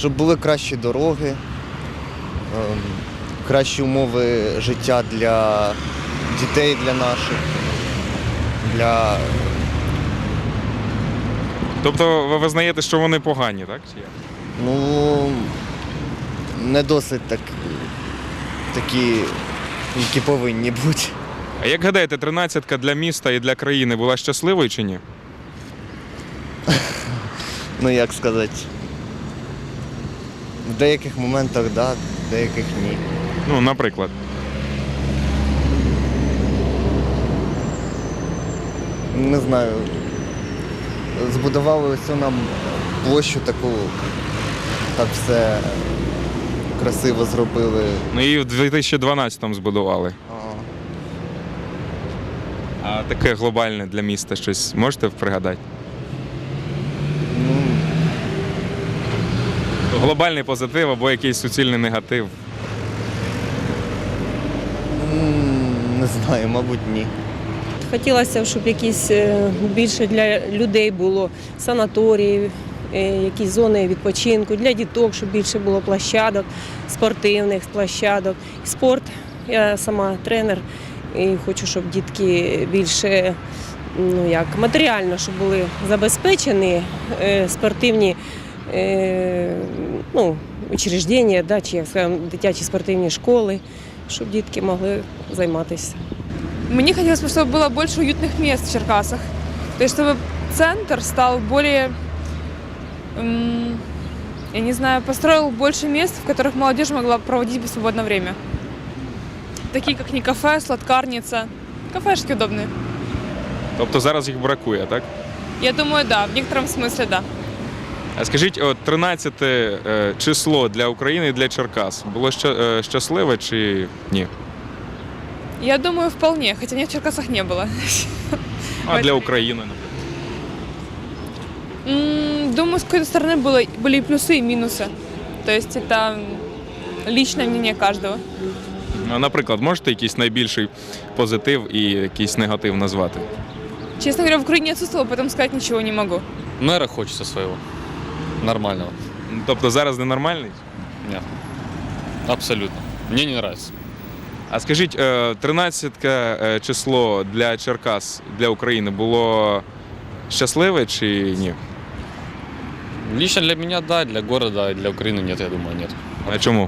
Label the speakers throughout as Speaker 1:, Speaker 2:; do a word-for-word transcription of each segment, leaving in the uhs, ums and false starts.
Speaker 1: щоб були кращі дороги, ем, кращі умови життя для дітей, для наших, для...
Speaker 2: Тобто ви визнаєте, що вони погані, так? Чи як?
Speaker 1: Ну, не досить так, такі, які повинні бути.
Speaker 2: А як гадаєте, тринадцятка для міста і для країни була щасливою чи ні?
Speaker 1: Ну, як сказати, в деяких моментах так, да, в деяких ні.
Speaker 2: Ну, наприклад.
Speaker 1: Не знаю, збудували ось нам площу таку, так все красиво зробили.
Speaker 2: Ну і в дві тисячі дванадцятому збудували.
Speaker 1: А,
Speaker 2: А таке глобальне для міста щось можете пригадати?
Speaker 1: ну,
Speaker 2: Глобальний позитив або якийсь суцільний негатив.
Speaker 1: м, не знаю, мабуть, ні.
Speaker 3: Хотілося б, щоб якісь е, більше для людей було санаторії, е, якісь зони відпочинку, для діток, щоб більше було площадок, спортивних площадок. Спорт, я сама тренер і хочу, щоб дітки більше ну, як, матеріально, щоб були забезпечені е, спортивні е, ну, учреждення, да, чи як скажемо, дитячі спортивні школи, щоб дітки могли займатися.
Speaker 4: Мне хотелось бы, чтобы было больше уютных мест в Черкасах. То есть, чтобы центр стал более, м, я не знаю, построил больше мест, в которых молодежь могла проводить свободное время. Такие, как не кафе, сладкарница. Кафешки удобные.
Speaker 2: Тобто зараз їх бракує, так?
Speaker 4: Я думаю, да, в некотором смысле, да.
Speaker 2: А скажіть, от тринадцяте е, число для України і для Черкас було ща- е, щасливе чи ні?
Speaker 4: Я думаю, вполне, хотя меня в Черкасах не было.
Speaker 2: А для України, наприклад?
Speaker 4: М, Думаю, с какой-то стороны было, были и плюсы, и минусы. То есть это личное мнение каждого.
Speaker 2: А, наприклад, можете якийсь найбільший позитив і якийсь негатив назвати?
Speaker 4: Честно говоря, в Украине отсутствовала, поэтому сказать ничего не могу.
Speaker 5: Мэра хочется своего. Нормального.
Speaker 2: Тобто зараз ненормальний?
Speaker 5: Нет. Абсолютно. Мне не нравится.
Speaker 2: А скажіть, е, тринадцяте е, число для Черкас, для України було щасливе чи ні?
Speaker 5: Лично для меня да, для города, а для Украины нет, я думаю, нет.
Speaker 2: А чому?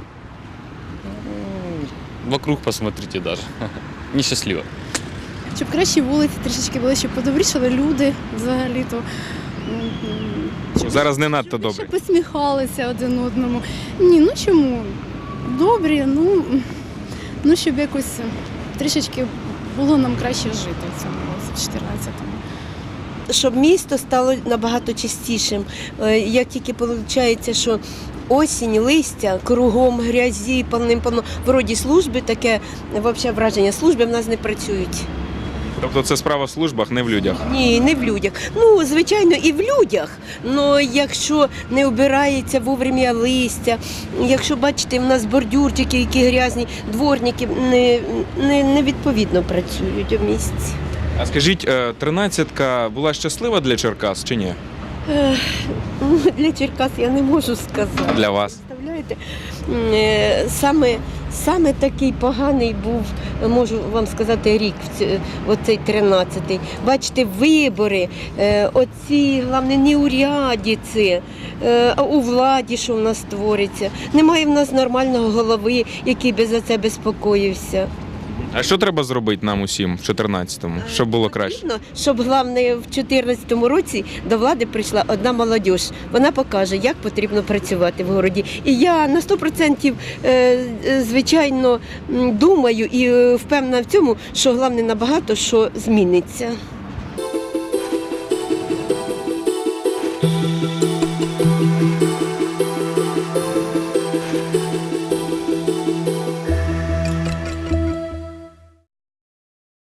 Speaker 5: Вокруг посмотрите даже. Несчастливо.
Speaker 6: Щоб кращі вулиці трішечки були, щоб подобрішали люди взагалі-то. М, щоб
Speaker 2: Зараз не надто
Speaker 6: щоб більше
Speaker 2: добре.
Speaker 6: посміхалися один одному. Ні, ну чому? Добрі, ну, ну щоб якось трішечки було нам краще жити в цьому році, в чотирнадцятому.
Speaker 7: Щоб місто стало набагато чистішим. Е, Як тільки виходить, що осінь, листя, кругом грязі, повним-повно, вроді служби, таке взагалі враження, служби в нас не працюють.
Speaker 2: Тобто це справа в службах, не в людях.
Speaker 7: Ні, не в людях. Ну, звичайно, і в людях. Але якщо не обирається вовремя листя, якщо, бачите, в нас бордюрчики, які грязні, дворники не, не, не відповідно працюють у місті.
Speaker 2: А скажіть, е, тринадцятка була щаслива для Черкас чи ні?
Speaker 7: Ех, ну, Для Черкас я не можу сказати.
Speaker 2: А для вас?
Speaker 7: Представляєте, М, е, саме, саме такий поганий був, можу вам сказати, рік, в ці- оцей тринадцятий. Бачите, вибори, е, оці, головне, неурядиці, е, а у владі, що в нас твориться. Немає в нас нормального голови, який би за це безпокоївся.
Speaker 2: А що треба зробити нам усім в чотирнадцятому, щоб було краще?
Speaker 7: Потрібно, щоб, головне, в чотирнадцятому році до влади прийшла одна молодь. Вона покаже, як потрібно працювати в городі. І я на сто відсотків, е, е, звичайно, м, думаю і е, впевнена в цьому, що головне набагато що зміниться.